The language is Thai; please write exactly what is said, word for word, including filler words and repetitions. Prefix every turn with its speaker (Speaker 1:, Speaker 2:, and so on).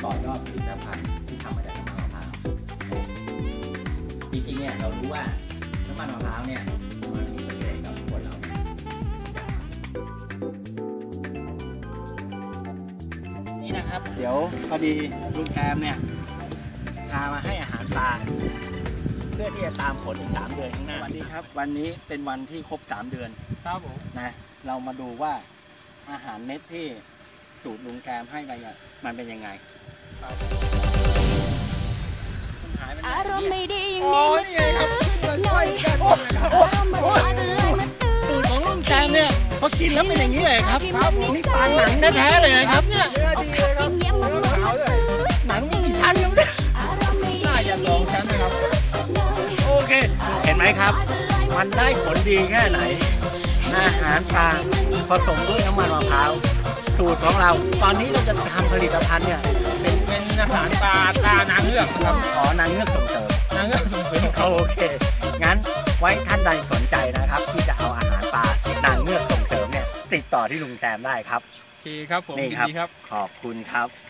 Speaker 1: ต่อยอดผลิตภัณฑ์ที่ทำมาจากน้ำมันมะพร้าวจริงๆเนี่ยเรารู้ว่าน้ำมันมะพร้าวเนี่ยมันมีประโยชน์กับคนเรานี่นะครับเดี๋ยวพอดีลุงแซมเนี่ยพามาให้อาหารปลาเพื่อที่จะตามผลอีกสามเดือนข้างหน้าวันนี้ครับวันนี้เป็นวันที่ครบสามเดือนครับผมนะเรามาดูว่าอาหารเม็ดที่สูตรลุงแซมให้ไปเนี่ยมันเป็นยังไงอารมณ์ไม่ดีอย่างนี้นี่ไงครับหน่อยสูตรของลุงแซมเนี่ยพอกินแล้วเป็นอย่างนี้เลยครับนี่ปลาหนังแท้ๆเลยครับเนี่ยหนังมีกี่ชั้นครับเนี่ยน่าจะสองชั้นนะครับโอเคเห็นไหมครับมันได้ผลดีแค่ไหนอาหารปลาผสมด้วยน้ำมันมะพร้าวสูตรของเราตอนนี้เราจะทำผลิตภัณฑ์เนี่ยเป็นเป็นอาหารปลาปลานางเงือกครับอ๋อนางเงือกส่งเสริมนางเงือกส่งเสริมโอเคงั้นไว้ท่านใดสนใจนะครับที่จะเอาอาหารปลานางเงือกส่งเสริมเนี่ยติดต่อที่ลุงแซมได้ครับ
Speaker 2: ทีครับผม
Speaker 1: นี่
Speaker 2: ยิน
Speaker 1: ครับ
Speaker 2: ดีครับ
Speaker 1: ขอบคุณครับ